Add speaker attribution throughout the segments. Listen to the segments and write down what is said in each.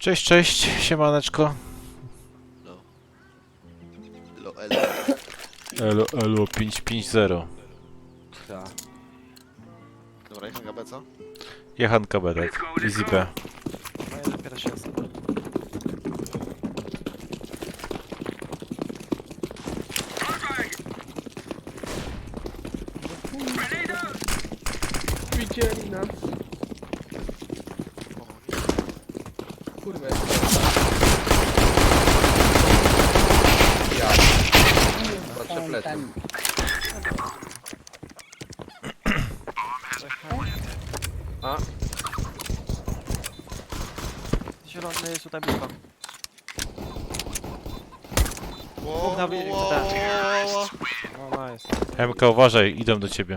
Speaker 1: Cześć, cześć, siemaneczko.
Speaker 2: No. Elo.
Speaker 1: Elo 550.
Speaker 3: Tak.
Speaker 2: Dobra, jecham GB, co?
Speaker 1: Jechanka Bedek. Easy B.
Speaker 3: No ja dopiero się jestem.
Speaker 4: Widzieli nas. Kurwa. Ja. Patrzę plecy. A,
Speaker 3: Zielony jest tutaj blisko.
Speaker 2: Wow,
Speaker 3: na wilk,
Speaker 2: wow,
Speaker 3: tak.
Speaker 2: wow.
Speaker 3: O, nice.
Speaker 1: MK, uważaj, idą do ciebie.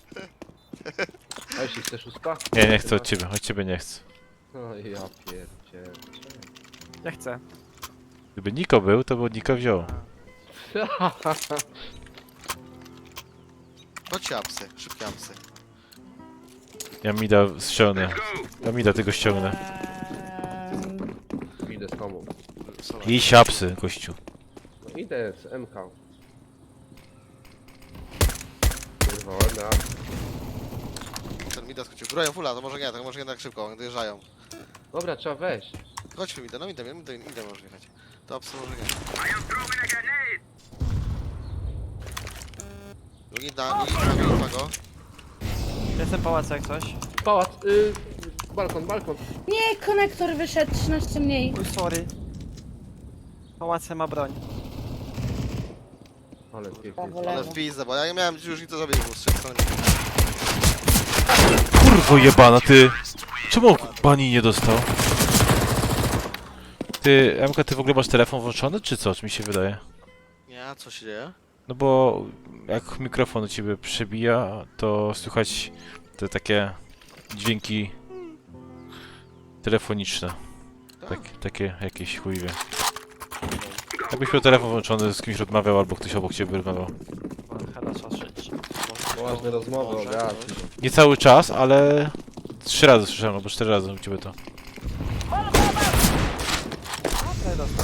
Speaker 4: a jeśli chcesz uspa?
Speaker 1: Nie, nie chcę od ciebie nie chcę.
Speaker 4: O ja pierdzielę.
Speaker 3: Ja chcę.
Speaker 1: Gdyby Niko był, to by Niko wziął.
Speaker 2: Chodźcie apsy, szybkie apsy.
Speaker 1: Ja Mida ściągnę. Ja Mida tego ściągnę.
Speaker 4: Idę z tobą.
Speaker 1: I siapsy, gościu.
Speaker 4: No idę z MK. Kurwa, ładna.
Speaker 2: Ten Mida skoczył. Grają fula, to może nie, to może jednak szybko, oni dojeżdżają.
Speaker 4: Dobra, trzeba wejść.
Speaker 2: Chodźmy Mida, no Mida może jechać. To apsy może nie. Drugi da go.
Speaker 3: Jestem pałac jak coś.
Speaker 4: Pałac, balkon.
Speaker 5: Nie, konektor wyszedł 13 mniej.
Speaker 3: Oj, sorry. Pałace ma broń.
Speaker 4: Ale pięknie.
Speaker 5: Prawo,
Speaker 2: Ale
Speaker 5: lewo.
Speaker 2: w pizdę, bo ja nie miałem już nic do zrobić, bo z trzech stron.
Speaker 1: Kurwo jebana, ty! Czemu bani nie dostał? Ty, MK, ty w ogóle masz telefon włączony, czy co? Czy mi się wydaje?
Speaker 2: Nie, co się dzieje?
Speaker 1: No bo jak mikrofon do ciebie przebija, to słychać te takie dźwięki telefoniczne. Takie jakieś chujwie. Jakbyś miał telefon włączony, z kimś rozmawiał, albo ktoś obok ciebie rozmawiał.
Speaker 3: Chyba trzeba szyć.
Speaker 4: Poważne rozmowy, ogarnij.
Speaker 1: Nie cały czas, ale 3 razy słyszałem, albo 4 razy u ciebie to.
Speaker 3: Okej, dostał.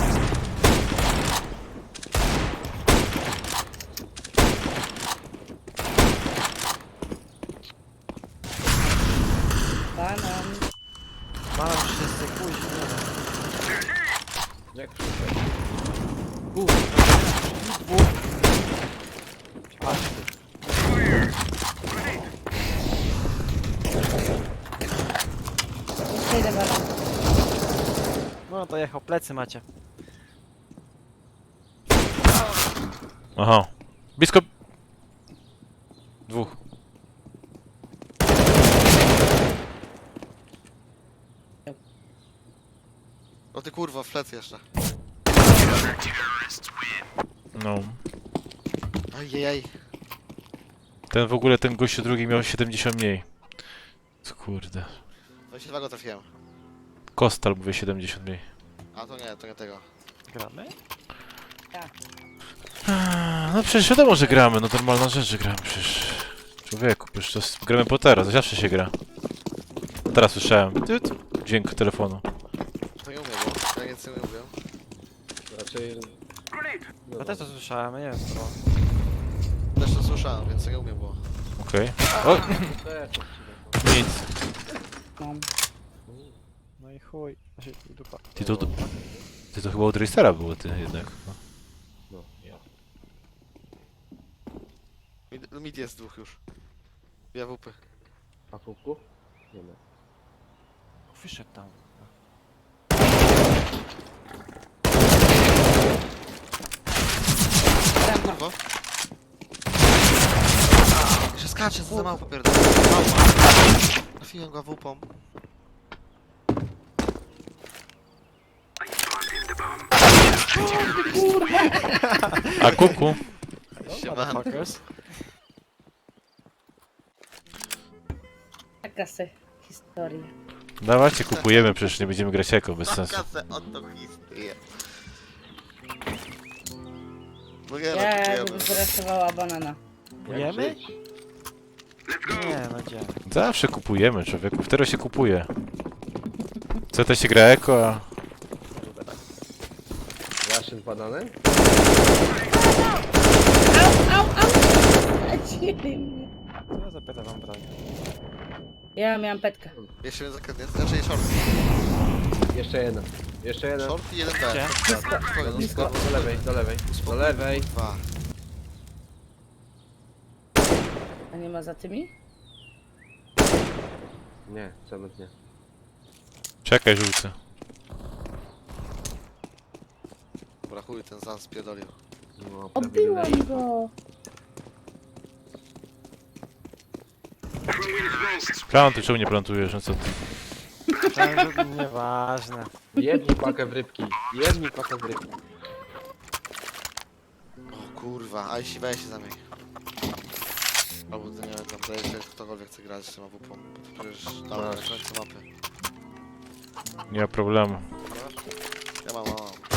Speaker 5: Banan.
Speaker 3: Mam wszyscy później.
Speaker 4: Jak przyszedł?
Speaker 3: Aż
Speaker 5: Jeszcze idę banan.
Speaker 3: no to jechał, plecy macie.
Speaker 1: Aha. Blisko... Dwóch.
Speaker 2: O ty kurwa, flec jeszcze.
Speaker 1: No.
Speaker 2: Ajajaj.
Speaker 1: Ten w ogóle, ten gościu drugi miał 70 mniej. Co kurde.
Speaker 2: 22 go trafiłem.
Speaker 1: Kostal mówię 70 mniej.
Speaker 2: A to nie tego.
Speaker 3: Gramy?
Speaker 1: No przecież wiadomo, że gramy, no normalna rzecz, że gramy przecież. Człowieku, przecież to gramy po teraz, zawsze się gra. A teraz słyszałem dźwięk telefonu.
Speaker 2: To nie umiem, bo ja nic nie umiem.
Speaker 4: Raczej... No,
Speaker 3: Ja też to słyszałem, nie wiem co.
Speaker 2: Też to słyszałem, więc nie umiem, bo...
Speaker 1: Okej. O, nic.
Speaker 5: Mam.
Speaker 3: No i chuj. Znaczy, i dupa.
Speaker 1: Ty to chyba od Racera było, ty jednak. No.
Speaker 4: No, ja.
Speaker 2: Mid jest dwóch już. Ja WP.
Speaker 4: A kubku? Nie ma.
Speaker 3: Wyszedł tam.
Speaker 2: Kurwa. Jeszcze skacze, co za mało popierdolę. Trafiłem go WP-om.
Speaker 1: A kuku?
Speaker 2: Siemano.
Speaker 3: Motherfuckers.
Speaker 5: Taka se historia.
Speaker 1: Dawajcie, kupujemy, przecież nie będziemy grać jako, bez sensu.
Speaker 2: Kasę, oto historię. No nie, no
Speaker 5: Ja
Speaker 2: kupujemy.
Speaker 5: bym zraszowała banana.
Speaker 3: Jemy? Nie, no gdzie?
Speaker 1: Zawsze kupujemy, człowieku, wtedy się kupuje. Co to się gra eko, a
Speaker 4: przed bananem?
Speaker 5: Au! Lecili mnie.
Speaker 3: To ja zapytam wam broń.
Speaker 5: Ja miałam petkę.
Speaker 2: Jeszcze jeden zakręt, znaczy short.
Speaker 4: Jeszcze jeden. Jeszcze jeden.
Speaker 2: Short i jeden B.
Speaker 3: Gdzie?
Speaker 2: Spokojnie,
Speaker 4: Blisko. Do lewej, do lewej. Do lewej.
Speaker 2: Dwa.
Speaker 5: A nie ma za tymi?
Speaker 4: Nie, cement nie.
Speaker 1: Czekaj, żółty.
Speaker 2: Dobra, chuj, ten Zan spierdolił.
Speaker 4: No,
Speaker 5: Obiłam go.
Speaker 1: Plantuj, czemu nie plantujesz? No co ty?
Speaker 3: To nieważne.
Speaker 4: Jedni pakę w rybki. Jedni pakę w rybki.
Speaker 2: O kurwa, a jeśli weź się za mnie. Albo to nie wiem, tam daje się ktokolwiek chce grać z tym AWP. Przecież tam na
Speaker 4: Masz.
Speaker 2: końcu mapy.
Speaker 1: Nie ma problemu.
Speaker 2: Ja mam.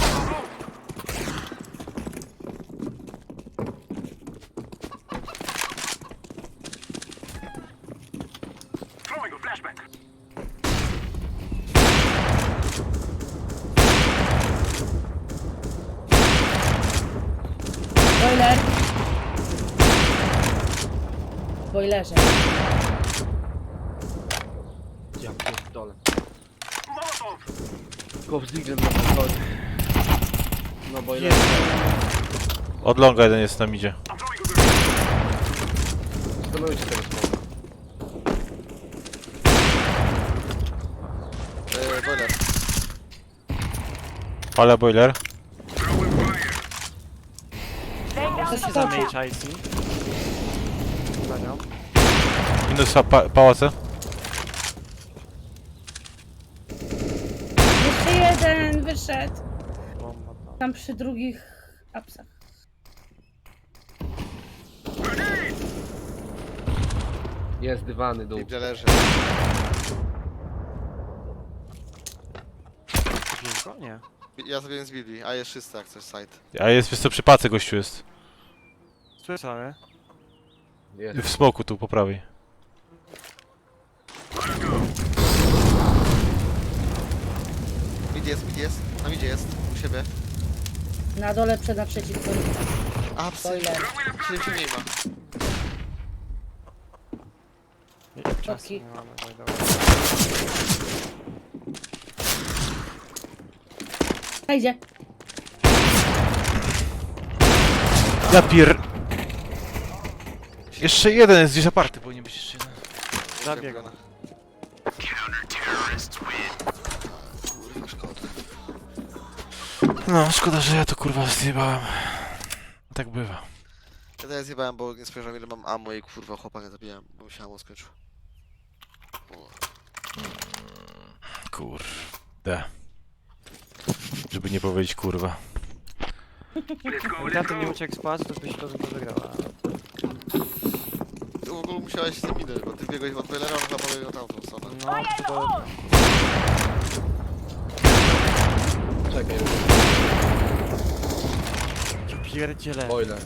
Speaker 5: Boiler. W boilerze.
Speaker 4: Ja pierdolę. Tylko z diglem na podchodzie. No bo ile?
Speaker 1: Od longa jeden jest tam idzie.
Speaker 4: Stanujcie tego smoka.
Speaker 2: Boiler.
Speaker 1: Pala boiler.
Speaker 3: Co się zamienić IC? Za nią.
Speaker 1: Minus pałace.
Speaker 5: Jeszcze jeden wyszedł.
Speaker 3: Bomba tam.
Speaker 5: Tam przy drugich apsach.
Speaker 4: Jest dywany dół.
Speaker 2: Gdzie leży.
Speaker 3: Widzisz go? Nie.
Speaker 2: Ja sobie z Bibi, a jest czysty jak coś site.
Speaker 1: A jest, wiesz co, przy pace gościu jest.
Speaker 3: Słyszałem.
Speaker 4: Jest.
Speaker 1: W smoku tu, po prawej.
Speaker 2: Mid jest. Na midzie jest. U siebie.
Speaker 5: Na dole przed naprzeciwko.
Speaker 2: A, psy.
Speaker 5: Boiler.
Speaker 2: 7 nie ma.
Speaker 3: Czasu
Speaker 5: Okej.
Speaker 3: nie mamy. Oj, dobra.
Speaker 5: A idzie.
Speaker 1: Ja pier... Jeszcze jeden jest gdzieś aparty, powinien być jeszcze jeden.
Speaker 3: Zabieg go.
Speaker 2: Kurwa, szkoda.
Speaker 1: No, szkoda, że ja to kurwa zjebałem. Tak bywa.
Speaker 2: Ja teraz zjebałem, bo nie spojrzałem ile mam ammo i kurwa chłopa nie zabijałem, bo mi się ammo skończył. O.
Speaker 1: Kurde. Żeby nie powiedzieć kurwa.
Speaker 3: Gdyby tamten nie uciekł z pałacu, to byś to wygrała.
Speaker 2: Ty w ogóle musiałeś z tym minąć, bo ty biegłeś od boilera, on chyba pobiegł tamtą stronę.
Speaker 3: No, to...
Speaker 4: Czekaj.
Speaker 3: Pierdziele.
Speaker 4: Boiler.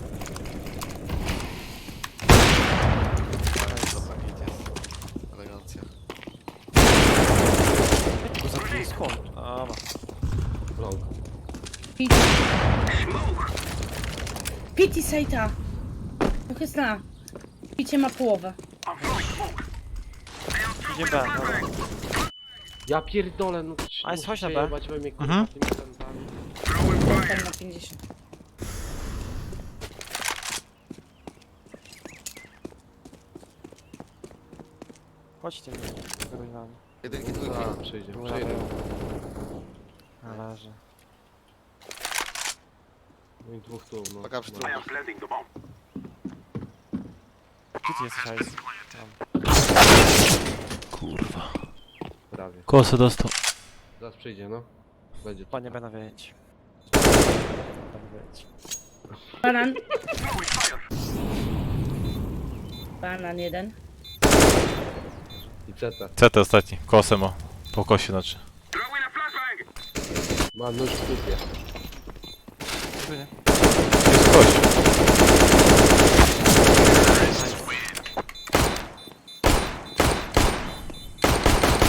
Speaker 2: Dobra, hit jest. Elegancja.
Speaker 3: Go zabiję skąd? A, ma.
Speaker 4: Long.
Speaker 5: Pit. Piti Sejta. Trochę zna. Picie ma połowę.
Speaker 3: Idzie B, dobra.
Speaker 4: Ja pierdolę, no
Speaker 3: A, jest, chodź na B.
Speaker 4: przejebać we mnie, kurwa,
Speaker 1: Mhm.
Speaker 4: tymi zębami.
Speaker 5: Tam na 50.
Speaker 3: Chodźcie, wyrównamy.
Speaker 2: Jedynki, dwójki.
Speaker 4: A, przyjdzie,
Speaker 3: Dobra,
Speaker 4: przyjdzie.
Speaker 3: Należy.
Speaker 4: No i dwóch tu, no.
Speaker 2: Paka przy
Speaker 4: No.
Speaker 2: trupach.
Speaker 3: Gdzie ty jesteś, Ice?
Speaker 1: Kurwa.
Speaker 4: Prawie.
Speaker 1: Kosę dostał.
Speaker 4: Zaraz przyjdzie, no. Będzie tu.
Speaker 3: Panie będę wiedzieć. Będę wiedzieć.
Speaker 5: Banan. Banan jeden.
Speaker 4: I CT.
Speaker 1: CT ostatni. Kosę ma. Po kosie znaczy.
Speaker 4: Ma nóż w dupie.
Speaker 3: Tu nie?
Speaker 1: Jest kość.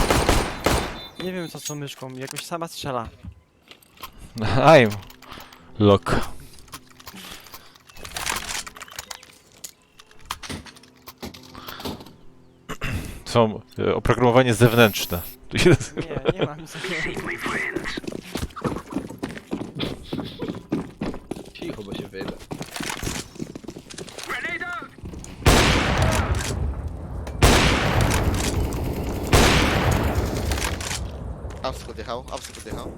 Speaker 3: Nie wiem co z tą myszką, jakoś sama strzela.
Speaker 1: Aim. Lock. Są oprogramowanie zewnętrzne. Tu się nazywa.
Speaker 3: Nie mam nic takiego.
Speaker 4: Cicho, bo się wyjdę.
Speaker 2: Apsy podjechał, apsy podjechał.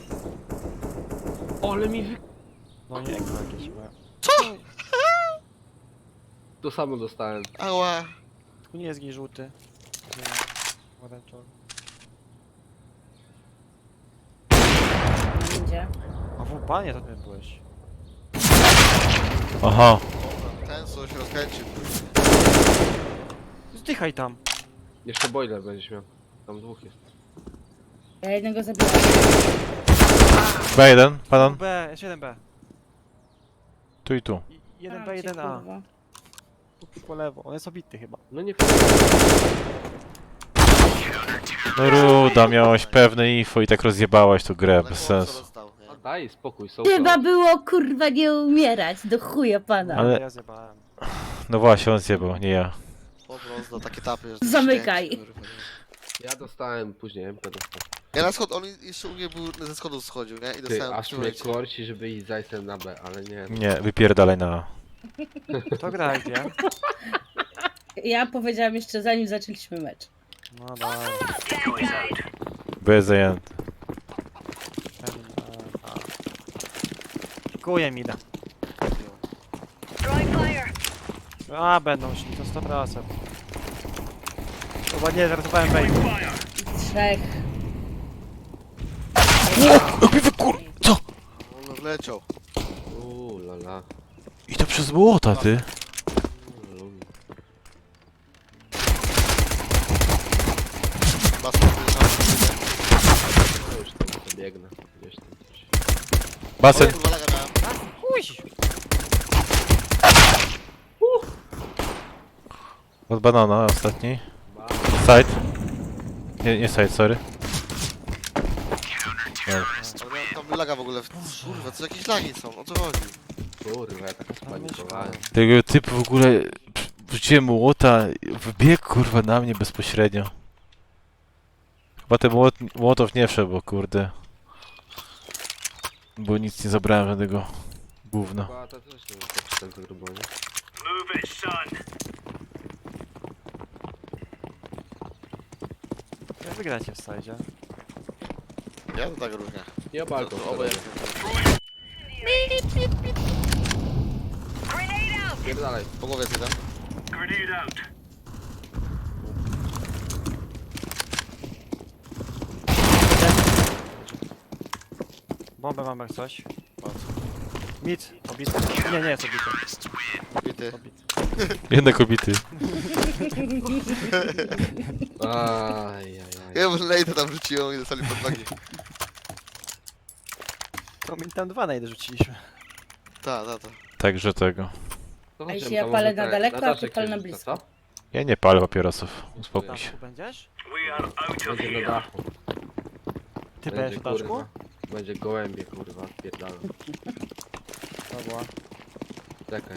Speaker 4: Ale mi wy...
Speaker 3: No nie, ekran jakieś chyba.
Speaker 4: To samo dostałem.
Speaker 2: Ała!
Speaker 3: Tu nie jest gdzieś żółty. Nie, pomarańczowy.
Speaker 5: Będzie.
Speaker 3: A w panie to ty byłeś.
Speaker 1: Aha.
Speaker 2: Ten co się rozkręcił.
Speaker 3: Zdychaj tam.
Speaker 4: Jeszcze boiler będziesz miał. Tam dwóch jest.
Speaker 5: Ja jednego zabiłam.
Speaker 1: B1, panon.
Speaker 3: B, jeszcze jeden B.
Speaker 1: Tu i tu.
Speaker 3: Jeden
Speaker 5: A,
Speaker 3: B,
Speaker 5: cię,
Speaker 3: jeden A.
Speaker 5: kurwa.
Speaker 3: Tu po lewo, on jest obity chyba.
Speaker 4: No nie
Speaker 1: No Ruda, miałaś pewne info i tak rozjebałaś tą grę,
Speaker 2: Ale
Speaker 1: bez
Speaker 2: chłop co
Speaker 1: sensu.
Speaker 2: dostał, nie?
Speaker 4: A daj spokój, są
Speaker 5: Trzeba było kurwa nie umierać, do chuja pana.
Speaker 1: Ale-
Speaker 3: Ja zjebałem.
Speaker 1: No właśnie, on zjebał, nie ja.
Speaker 2: Po prostu takie tapy, że...
Speaker 5: Zamykaj.
Speaker 2: śmierć, kurwa, nie?
Speaker 4: Ja dostałem później MP dostałem.
Speaker 2: Ja na schod, on jeszcze u mnie był, ze schodów schodził, nie? I
Speaker 4: Ty,
Speaker 2: dostałem
Speaker 4: aż
Speaker 2: w tym
Speaker 4: mnie
Speaker 2: momencie.
Speaker 4: korci, żeby iść zajsem na B, ale nie.
Speaker 1: Nie, wypierdalaj na A.
Speaker 3: To gra gdzie?
Speaker 5: Ja powiedziałam jeszcze zanim zaczęliśmy mecz.
Speaker 3: No dobra.
Speaker 1: B jest zajęty.
Speaker 3: Pikuję mi da. A, będą szli, to 100%. Chyba nie, żartowałem bejtu.
Speaker 5: Trzech.
Speaker 1: Co?
Speaker 2: On wleciał.
Speaker 4: Lala.
Speaker 1: I to przez młota, ty.
Speaker 2: Basen wyjeżdżał.
Speaker 4: No już tam pobiegnę. Gdzieś tam coś.
Speaker 1: Basen.
Speaker 2: Kurwa laga miałem.
Speaker 3: Uj!
Speaker 1: Od banana ostatni.
Speaker 4: Ba-
Speaker 1: Side. Nie side, sorry. Nie.
Speaker 2: Ale miałem tam laga w ogóle. Kurwa, co jakieś lagi są, o co chodzi?
Speaker 4: Kurwa, ja tak spanikowałem.
Speaker 1: Tego typu w ogóle wrzuciłem młota, wbiegł kurwa na mnie bezpośrednio. Chyba ten młotow nie wszedł, bo kurde. Bo nic nie zabrałem żadnego gówna.
Speaker 4: Chyba to też nie wiem, tak ten grubo, nie?
Speaker 3: Jak wygracie w sajdzie?
Speaker 2: Ja to tak różnie.
Speaker 4: Ja balkon.
Speaker 2: To obojętnie.
Speaker 4: Pierdalaj.
Speaker 2: Po głowie jest jeden.
Speaker 3: Bombę mam jak coś.
Speaker 2: Patrz.
Speaker 3: Mit, obity. Nie, nie jest obity.
Speaker 2: Bity.
Speaker 3: Obity.
Speaker 1: Jednak obity.
Speaker 4: Ajajaj.
Speaker 2: Ja może lejdę tam rzuciłem i dostali pod nogi.
Speaker 3: To mi tam dwa najdę rzuciliśmy.
Speaker 2: Ta.
Speaker 1: Także tego.
Speaker 4: To
Speaker 5: A
Speaker 4: chodźmy,
Speaker 5: jeśli ja
Speaker 4: to
Speaker 5: palę
Speaker 4: może
Speaker 5: na
Speaker 4: te-
Speaker 5: daleko, a ty
Speaker 4: daszek
Speaker 5: pal
Speaker 4: się
Speaker 5: na
Speaker 4: rzuca,
Speaker 5: blisko.
Speaker 4: co?
Speaker 1: Ja nie palę papierosów. Uspokój się.
Speaker 3: Daszku będziesz?
Speaker 4: Będzie na dachu.
Speaker 3: Ty
Speaker 4: Będzie,
Speaker 3: będziesz w daszku?
Speaker 4: kurwa. Będzie gołębie, kurwa, spierdalam.
Speaker 3: Dobra.
Speaker 4: Czekaj.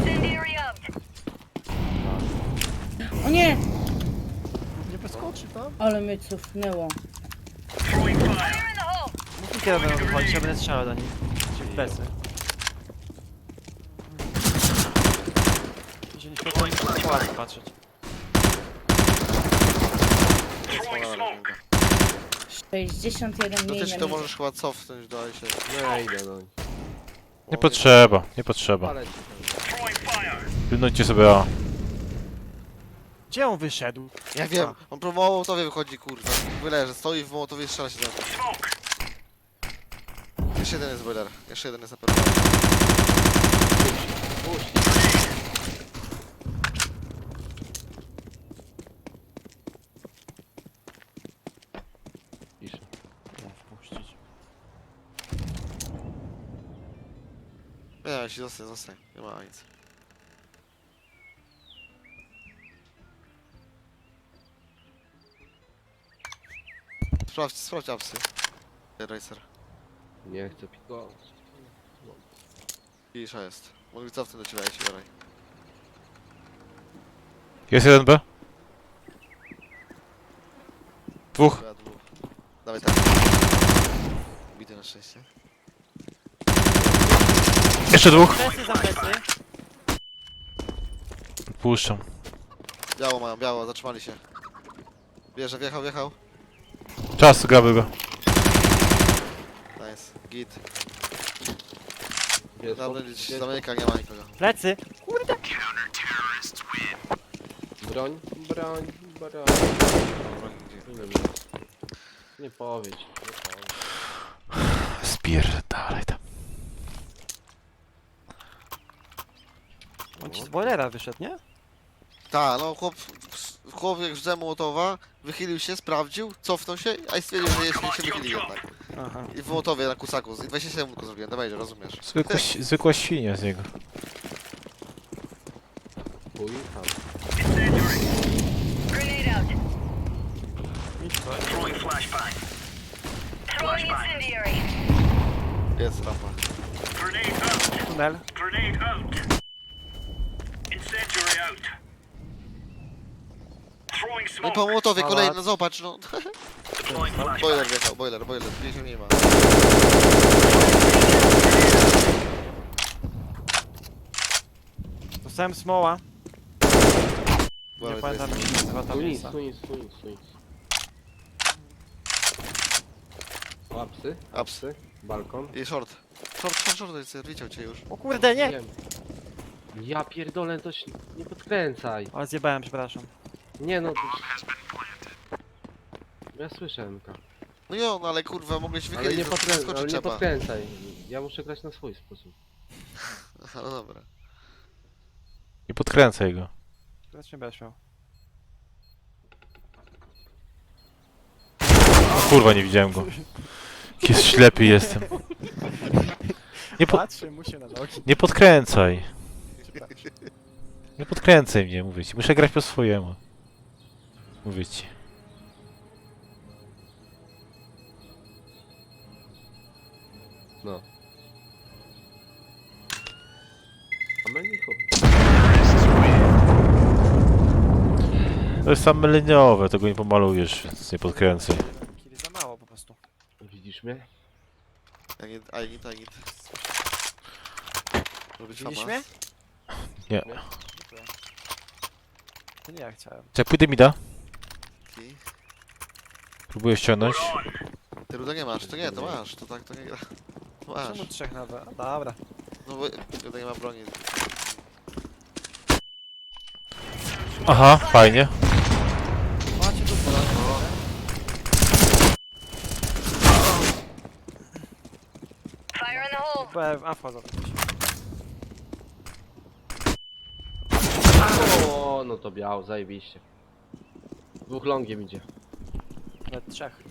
Speaker 5: O nie!
Speaker 3: Nie przeskoczy tam?
Speaker 5: Ale mnie cofnęło.
Speaker 3: Mów kiedy będą wychodzić, ja będę strzelał do nich. Czy w plecy. Jeżeli światło nie to ładnie patrzeć.
Speaker 2: Smola.
Speaker 5: 61
Speaker 2: No
Speaker 5: mniej
Speaker 2: też
Speaker 5: na
Speaker 2: to
Speaker 5: minus.
Speaker 2: możesz chyba cofnąć do się.
Speaker 4: No ja idę, no.
Speaker 1: Nie potrzeba, nie potrzeba.
Speaker 4: Ale ci
Speaker 1: Pilnujcie sobie A.
Speaker 3: Gdzie on wyszedł?
Speaker 2: Ja wiem, on po Mołotowie wychodzi, kurwa. Byle, że stoi w Mołotowie i strzela się do mnie. Jeszcze jeden jest boiler, jeszcze jeden jest na pewno.
Speaker 4: Piszę.
Speaker 3: Nie, wpuścić.
Speaker 2: Nie, jeśli zostań, nie ma nic. Sprawdź apsy. Racer.
Speaker 4: Nie chcę pikować.
Speaker 2: Cisza jest. Mogli cofnąć do ciebie, jeśli jaraj.
Speaker 1: Jest 1B. Dwóch.
Speaker 2: Dobra, dwóch. Dawaj tak. Bity na szczęście.
Speaker 1: Jeszcze dwóch.
Speaker 3: Plecy za plecy.
Speaker 1: Puszczam.
Speaker 2: Biało mają, biało, zatrzymali się. Bierze, wjechał.
Speaker 1: Czas, gramy go.
Speaker 2: Nice. Git.
Speaker 4: Jest
Speaker 2: Dobra,
Speaker 4: jest
Speaker 2: zamyka, nie ma nikogo.
Speaker 3: Plecy.
Speaker 4: broń. Ile mi? Nie powiedz.
Speaker 1: Spierdalaj tam.
Speaker 3: On ci z boilera wyszedł, nie?
Speaker 2: Tak, no chłop jak rzucał Mołotowa, wychylił się, sprawdził, cofnął się, a i stwierdził, że jeszcze nie się wychylił jednak.
Speaker 3: Aha.
Speaker 2: I w Mołotowie na kusaku, i 27 tylko zrobiłem, dawaj, rozumiesz.
Speaker 1: Zwykła świnia z niego.
Speaker 4: Chuj, tam.
Speaker 6: Grenade out.
Speaker 3: Idź to.
Speaker 6: Throwing incendiary.
Speaker 2: Jest rampa.
Speaker 3: Tunel.
Speaker 2: No i po Mołotowie
Speaker 3: Pałac.
Speaker 2: kolejny, no zobacz, no. Boiler wjechał, boiler, gdzieś nie ma.
Speaker 3: Dostałem smoła. Nie
Speaker 2: Boiler
Speaker 3: pamiętam jak się nazywa ta
Speaker 4: Tu nic,
Speaker 3: miejsca.
Speaker 4: tu nic. O, apsy?
Speaker 2: Apsy.
Speaker 4: Balkon?
Speaker 2: I short, to jest, widział cię już.
Speaker 3: O kurde, nie!
Speaker 4: Wiem. Ja pierdolę, to się nie podkręcaj.
Speaker 3: Ale zjebałem, przepraszam.
Speaker 4: Nie no, to... Ja słyszę MK.
Speaker 2: No jo, no ale kurwa, mogłeś
Speaker 4: Ale
Speaker 2: wychylić,
Speaker 4: nie,
Speaker 2: to
Speaker 4: ale
Speaker 2: skoczyć
Speaker 4: nie
Speaker 2: trzeba.
Speaker 4: podkręcaj. Ja muszę grać na swój sposób.
Speaker 2: No dobra.
Speaker 1: Nie podkręcaj go.
Speaker 3: Teraz nie będziesz miał.
Speaker 1: O kurwa, nie widziałem go. Jest ślepy jestem.
Speaker 3: Patrzy mu się na nogi.
Speaker 1: Nie podkręcaj. Nie podkręcaj mnie, mówię ci. Muszę grać po swojemu. Mówię ci.
Speaker 4: No. A Melicho.
Speaker 1: To jest same liniowe, tego nie pomalujesz, więc nie podkręcaj.
Speaker 3: Kili za mało po prostu.
Speaker 4: Widzisz mnie?
Speaker 2: I need. Robić
Speaker 3: Widzisz
Speaker 2: fama.
Speaker 3: mnie?
Speaker 1: Nie.
Speaker 3: Dziękuję. To nie ja chciałem.
Speaker 1: Jak pójdę mi da?
Speaker 2: I-
Speaker 1: Próbuję ściągnąć.
Speaker 2: Ty ruda nie masz, to nie, to masz, to tak, to nie gra. To masz.
Speaker 3: Czemu trzech na B? Dobra.
Speaker 2: No bo tutaj nie ma broni.
Speaker 1: Aha, fajnie.
Speaker 3: Macie tu broń.
Speaker 6: Fire in the hole.
Speaker 3: B, a wchodzą.
Speaker 4: O, no to biał, zajebiście. Dwóch longiem idzie.
Speaker 3: Nawet trzech.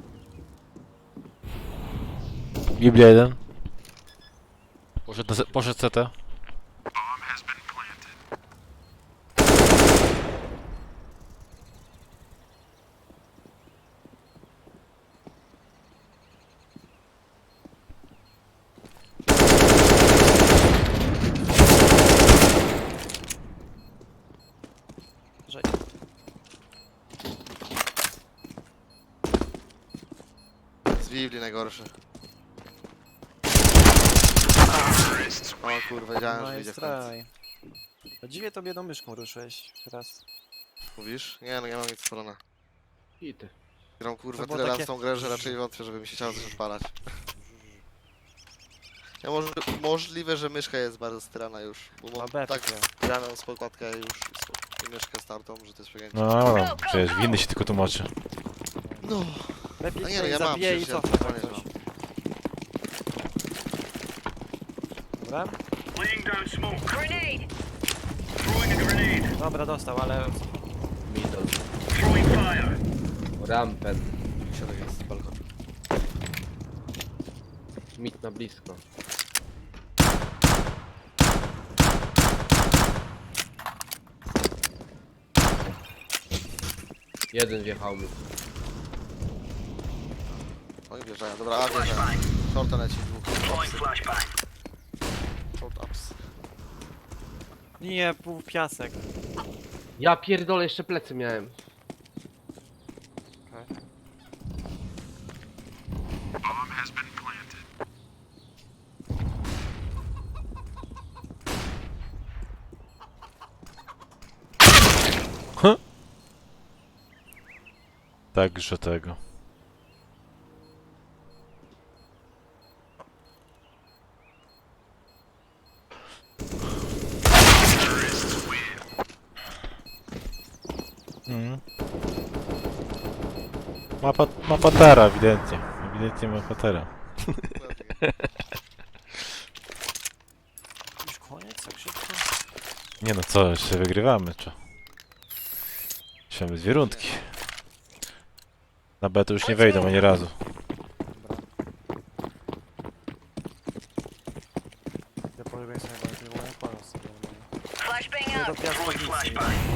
Speaker 1: Biblia 1. Poszedł CT.
Speaker 3: Że...
Speaker 2: Z Bibli najgorszy. O kurwa, wiedziałem,
Speaker 3: No
Speaker 2: że
Speaker 3: i
Speaker 2: wyjdzie w końcu.
Speaker 3: straj. No dziwnie to jedną myszką ruszyłeś teraz.
Speaker 2: Mówisz? Nie, no nie mam nic spalone.
Speaker 4: I ty.
Speaker 2: Gram kurwa
Speaker 3: To było
Speaker 2: tyle lat
Speaker 3: takie-
Speaker 2: w tą grę, że raczej wątpię, żeby mi się chciało coś odpalać. Ja możliwe, że myszka jest bardzo strana już, bo
Speaker 3: No
Speaker 2: mam
Speaker 3: B
Speaker 2: tak
Speaker 3: takiego.
Speaker 2: graną z podkładkę już i myszkę startą, że to jest przegięcie.
Speaker 1: No dobra, przecież winny się tylko tłumaczy.
Speaker 2: No.
Speaker 3: Lepiej
Speaker 2: A nie,
Speaker 3: się
Speaker 2: no ja mam
Speaker 3: zabije i
Speaker 2: przecież, ja
Speaker 3: cofnę tak
Speaker 2: totalnie
Speaker 3: coś. Dobra?
Speaker 6: Grenade.
Speaker 3: Dobra, dostał, ale...
Speaker 4: Middle. Rampen.
Speaker 2: Środek jest z balkonu.
Speaker 4: Mid na blisko. Jeden wjechał mi.
Speaker 2: Oni wjeżdżają, dobra, a wjeżdżają. Shorta leci dwóch. Short ups.
Speaker 3: Nie, pół piasek.
Speaker 4: Ja pierdolę, jeszcze plecy miałem.
Speaker 1: Także tego. Mhm. Ma patera, ewidentnie. Ewidentnie ma patera.
Speaker 3: Już koniec, tak szybko?
Speaker 1: Nie no co, jeszcze wygrywamy, czy? Jeszcze mamy 2 rundki. Na B to już nie wejdą ani razu.
Speaker 3: Ja polubię sobie bardziej, bo nie kłamam sobie.
Speaker 6: Flashbang
Speaker 3: Nie do
Speaker 6: out.
Speaker 3: piasku nic nie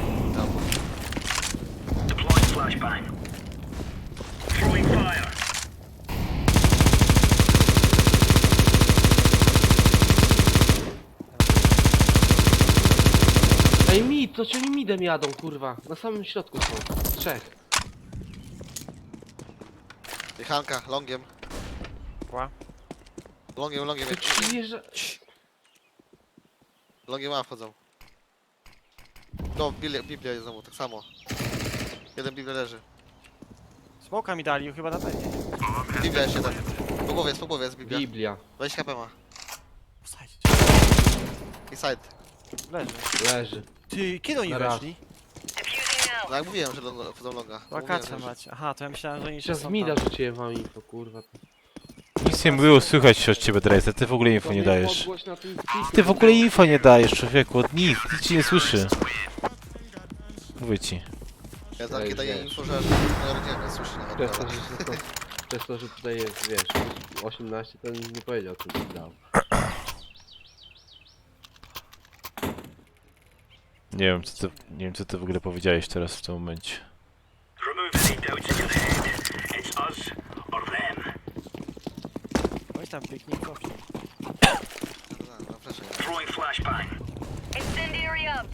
Speaker 6: Deploying flashbang. Throwing fire.
Speaker 4: Ej, mid, to ci oni midem jadą, kurwa. Na samym środku są. 3.
Speaker 2: Hanka, longiem.
Speaker 3: Kła?
Speaker 2: Longiem.
Speaker 4: To ci wjeżdża...
Speaker 2: Longiem A wchodzą. No, Biblia jest znowu, tak samo. Jeden Biblia leży.
Speaker 3: Smoka mi dali, chyba na pewno.
Speaker 2: Biblia jeszcze jeden. Po głowie jest Biblia.
Speaker 4: Biblia.
Speaker 2: 20 HP ma.
Speaker 3: Wsadź.
Speaker 2: Inside.
Speaker 3: Leży.
Speaker 4: Leży.
Speaker 3: Ty, kiedy oni
Speaker 4: Na raz.
Speaker 3: weszli?
Speaker 6: Diffusing
Speaker 2: No
Speaker 6: out.
Speaker 2: jak mówiłem, że wchodzą longa.
Speaker 3: Wakacje
Speaker 2: Mówiłem, że-
Speaker 3: macie. Aha, to ja myślałem, że oni jeszcze
Speaker 4: Przez
Speaker 3: są
Speaker 4: mida
Speaker 3: tam.
Speaker 4: rzuciłem wam info, kurwa.
Speaker 1: Nic nie było słychać od ciebie, Drejse. Ty w ogóle info nie
Speaker 4: To mnie
Speaker 1: dajesz.
Speaker 4: podgłoś na tym spiku.
Speaker 1: Ty w ogóle info nie dajesz, człowieku. Od nic ci nie słyszy. Mówię ci.
Speaker 2: Ja takie
Speaker 4: już
Speaker 2: daję
Speaker 4: wiesz.
Speaker 2: info, że moja rodzina nie słyszy nawet.
Speaker 4: Przez to, przez to, że tutaj jest, wiesz, 18, to nie powiedział, co ci dał.
Speaker 1: Nie wiem co ty w ogóle powiedziałeś teraz w tym momencie.
Speaker 6: Remove any doubts in your head. It's us or them.
Speaker 3: Weź tam piknik, cofnij.
Speaker 2: Na flesze.
Speaker 6: Throwing flashbang. Incendiary out.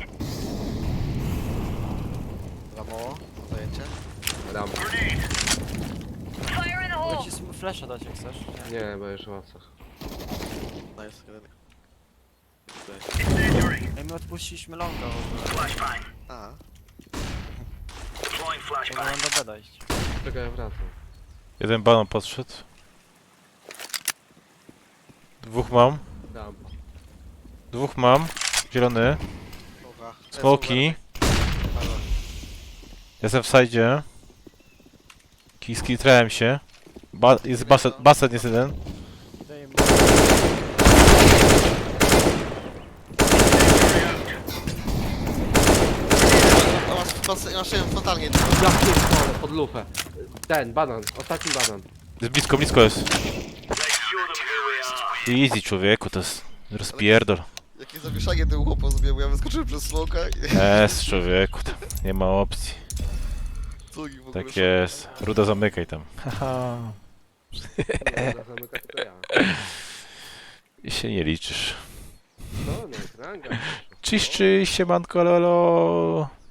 Speaker 2: Za mało. Zajęcie.
Speaker 4: Ram.
Speaker 6: Grenade. Fire in the
Speaker 3: Mogę
Speaker 6: hole.
Speaker 3: ci flasha dać jak chcesz. Nie.
Speaker 4: Nie, bo już w łapcach.
Speaker 2: Nice, jeden.
Speaker 6: Incendiary.
Speaker 3: Ej, my odpuściliśmy longa w ogóle.
Speaker 6: Flashbang.
Speaker 2: A,
Speaker 6: Deploying
Speaker 3: Mogę
Speaker 6: flashbang.
Speaker 3: nam do beda iść.
Speaker 4: Czekaj, ja wracam.
Speaker 1: Jeden banan podszedł. 2 mam.
Speaker 4: Ram.
Speaker 1: 2 mam. Zielony.
Speaker 2: smoka.
Speaker 1: Smoki. Jestem w sajdzie. Skitrałem się. Jest basen jest jeden.
Speaker 3: Daj mi.
Speaker 2: Masz totalnie.
Speaker 4: Ja pierdolę, pod lufę. Ten, banan, ostatni banan.
Speaker 1: Jest blisko jest.
Speaker 6: Let's show them who we are.
Speaker 1: Easy człowieku, to jest rozpierdol.
Speaker 2: Jakie zawieszanie tym chłopom zrobiłem, bo ja wyskoczyłem przez smoka i
Speaker 1: Jest człowieku, tam nie ma opcji.
Speaker 2: cugi w ogóle.
Speaker 1: Tak jest. Ruda zamykaj tam. Haha.
Speaker 4: Nie, zamykać to ja.
Speaker 1: I się nie liczysz.
Speaker 4: No, no, ranga.
Speaker 1: Cześć, siemanko lolo.